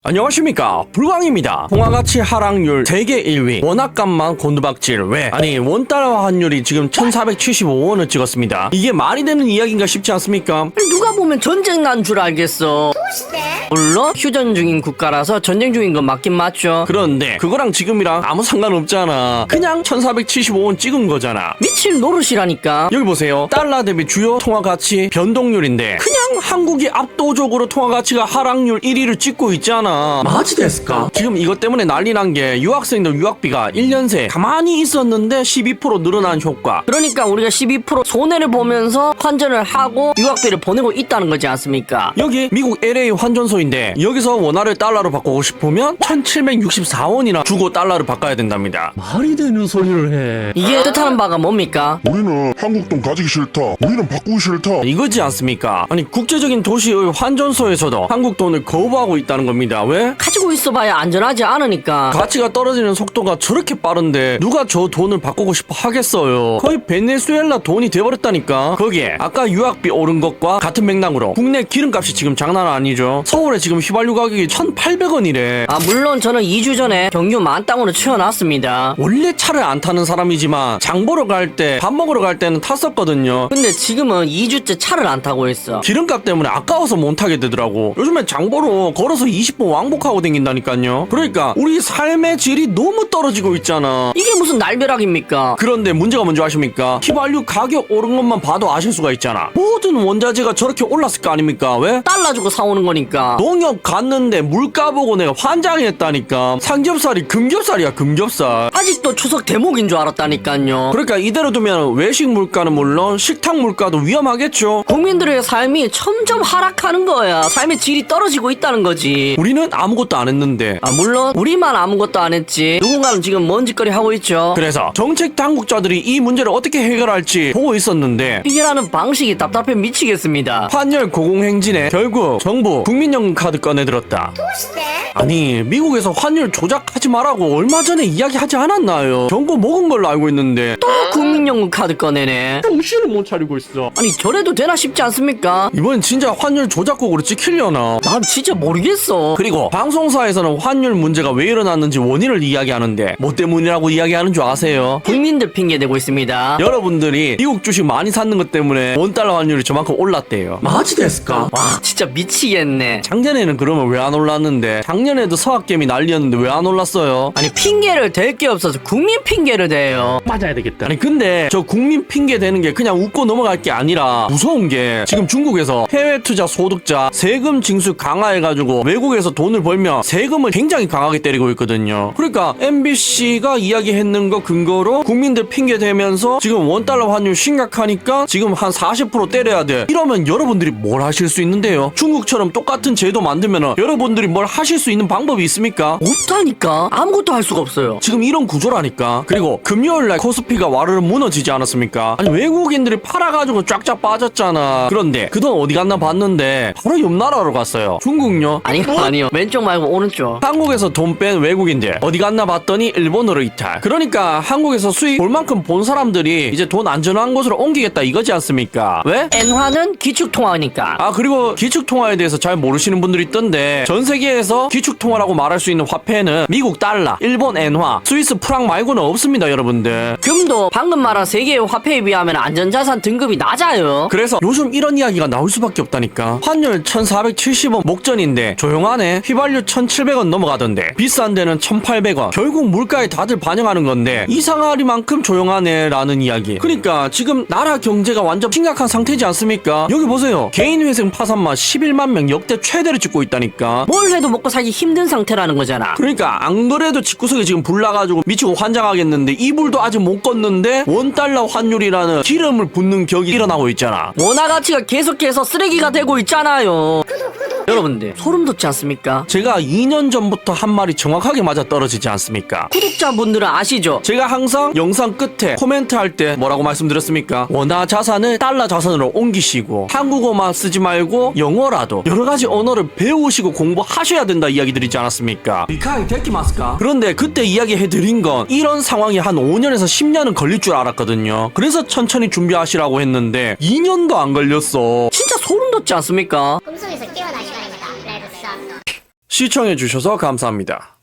안녕하십니까, 불광입니다. 통화가치 하락률 세계 1위, 원화값만 곤두박질. 왜? 아니, 원달러 환율이 지금 1475원을 찍었습니다. 이게 말이 되는 이야기인가 싶지 않습니까? 누가 보면 전쟁 난 줄 알겠어. 물론 휴전 중인 국가라서 전쟁 중인 건 맞긴 맞죠. 그런데 그거랑 지금이랑 아무 상관없잖아. 그냥 1475원 찍은 거잖아. 미칠 노릇이라니까. 여기 보세요. 달러 대비 주요 통화가치 변동률인데 그냥 한국이 압도적으로 통화가치가 하락률 1위를 찍고 있잖아. 마지 됐을까? 지금 이것 때문에 난리 난 게 유학생들 유학비가 1년 새 가만히 있었는데 12% 늘어난 효과. 그러니까 우리가 12% 손해를 보면서 환전을 하고 유학비를 보내고 있다는 거지 않습니까? 여기 미국 LA 환전소인데 여기서 원화를 달러로 바꾸고 싶으면 1764원이나 주고 달러를 바꿔야 된답니다. 말이 되는 소리를 해. 이게 뜻하는 바가 뭡니까? 우리는 한국 돈 가지기 싫다. 우리는 바꾸기 싫다. 이거지 않습니까? 아니, 국제적인 도시의 환전소에서도 한국 돈을 거부하고 있다는 겁니다. 왜? 가지고 있어봐야 안전하지 않으니까. 가치가 떨어지는 속도가 저렇게 빠른데 누가 저 돈을 바꾸고 싶어 하겠어요. 거의 베네수엘라 돈이 돼버렸다니까. 거기에 아까 유학비 오른 것과 같은 맥락으로 국내 기름값이 지금 장난 아니죠. 서울에 지금 휘발유 가격이 1,800원이래. 아 물론 저는 2주 전에 경유 만땅으로 채워놨습니다. 원래 차를 안 타는 사람이지만 장 보러 갈 때, 밥 먹으러 갈 때는 탔었거든요. 근데 지금은 2주째 차를 안 타고 있어. 기름값 때문에 아까워서 못 타게 되더라고. 요즘에 장 보러 걸어서 20분 왕복하고 댕긴다니까요. 그러니까 우리 삶의 질이 너무 떨어지고 있잖아. 이게 무슨 날벼락입니까? 그런데 문제가 뭔지 아십니까? 휘발유 가격 오른 것만 봐도 아실 수가 있잖아. 모든 원자재가 저렇게 올랐을 거 아닙니까? 왜? 달러 주고 사오는 거니까. 농협 갔는데 물가 보고 내가 환장했다니까. 삼겹살이 금겹살이야, 금겹살. 아직도 추석 대목인 줄 알았다니까요. 그러니까 이대로 두면 외식 물가는 물론 식탁 물가도 위험하겠죠. 국민들의 삶이 점점 하락하는 거야. 삶의 질이 떨어지고 있다는 거지. 우리는 아무것도 안 했는데. 아 물론 우리만 아무것도 안 했지. 누군가는 지금 먼 짓거리 하고 있죠. 그래서 정책 당국자들이 이 문제를 어떻게 해결할지 보고 있었는데 해결하는 방식이 답답해 미치겠습니다. 환율 고공행진에 결국 정부 국민연금 카드 꺼내들었다. 아니, 미국에서 환율 조작하지 말라고 얼마 전에 이야기하지 않았나요? 정보 먹은 걸로 알고 있는데 또 국민연금 카드 꺼내네. 정신을 못 차리고 있어. 아니 저래도 되나 싶지 않습니까? 이번엔 진짜 환율 조작국으로 찍히려나? 난 진짜 모르겠어. 그리고 방송사에서는 환율 문제가 왜 일어났는지 원인을 이야기하는데 뭐 때문이라고 이야기하는 줄 아세요? 국민들 핑계 대고 있습니다. 여러분들이 미국 주식 많이 샀는 것 때문에 원달러 환율이 저만큼 올랐대요. 마지 됐을까? 와 진짜 미치겠네. 작년에는 그러면 왜 안 올랐는데? 작년에도 서학개미 난리였는데 왜 안 올랐어요? 아니 핑계를 댈 게 없어서 국민 핑계를 대요. 맞아야 되겠다. 아니 근데 저 국민 핑계 대는 게 그냥 웃고 넘어갈 게 아니라 무서운 게 지금 중국에서 해외 투자 소득자 세금 징수 강화해가지고 외국에서 돈을 벌면 세금을 굉장히 강하게 때리고 있거든요. 그러니까 MBC가 이야기했는 거 근거로 국민들 핑계 대면서 지금 원달러 환율 심각하니까 지금 한 40% 때려야 돼. 이러면 여러분들이 뭘 하실 수 있는데요? 중국처럼 똑같은 제도 만들면 여러분들이 뭘 하실 수 있는 방법이 있습니까? 없다니까. 아무것도 할 수가 없어요. 지금 이런 구조라니까. 그리고 금요일날 코스피가 와르르 무너지지 않았습니까? 아니 외국인들이 팔아가지고 쫙쫙 빠졌잖아. 그런데 그 돈 어디 갔나 봤는데 바로 옆 나라로 갔어요. 중국요. 아니요. 왼쪽 말고 오른쪽. 한국에서 돈 뺀 외국인들 어디 갔나 봤더니 일본으로 이탈. 그러니까 한국에서 수익 볼 만큼 본 사람들이 이제 돈 안전한 곳으로 옮기겠다 이거지 않습니까? 왜? 엔화는 기축통화니까. 아, 그리고 기축통화에 대해서 잘 모르시는 분들이 있던데 전 세계에서 기축통화라고 말할 수 있는 화폐는 미국 달러, 일본 엔화, 스위스 프랑 말고는 없습니다, 여러분들. 금도 방금 말한 세계의 화폐에 비하면 안전자산 등급이 낮아요. 그래서 요즘 이런 이야기가 나올 수밖에 없다니까. 환율 1470원 목전인데 조용하네. 휘발유 1700원 넘어가던데 비싼 데는 1800원. 결국 물가에 다들 반영하는 건데 이상하리만큼 조용하네 라는 이야기. 그러니까 지금 나라 경제가 완전 심각한 상태지 않습니까? 여기 보세요. 개인회생 파산만 11만 명 역대 최대를 찍고 있다니까. 뭘 해도 먹고 살기 힘든 상태라는 거잖아. 그러니까 안 그래도 집구석에 지금 불 나가지고 미치고 환장하겠는데 이 불도 아직 못 껐는데 원달러 환율이라는 기름을 붓는 격이 일어나고 있잖아. 원화 가치가 계속해서 쓰레기가 되고 있잖아요. 여러분들 소름 돋지 않습니까? 제가 2년 전부터 한 말이 정확하게 맞아 떨어지지 않습니까? 구독자분들은 아시죠? 제가 항상 영상 끝에 코멘트 할 때 뭐라고 말씀드렸습니까? 원화 자산을 달러 자산으로 옮기시고 한국어만 쓰지 말고 영어라도 여러 가지 언어를 배우시고 공부하셔야 된다 이야기 드리지 않았습니까? 리카이 데키마스까? 그런데 그때 이야기해드린 건 이런 상황이 한 5년에서 10년은 걸릴 줄 알았거든요. 그래서 천천히 준비하시라고 했는데 2년도 안 걸렸어. 진짜 소름 돋지 않습니까? 꿈속에서 깨어난 시간입니다. 레드 썬. 시청해주셔서 감사합니다.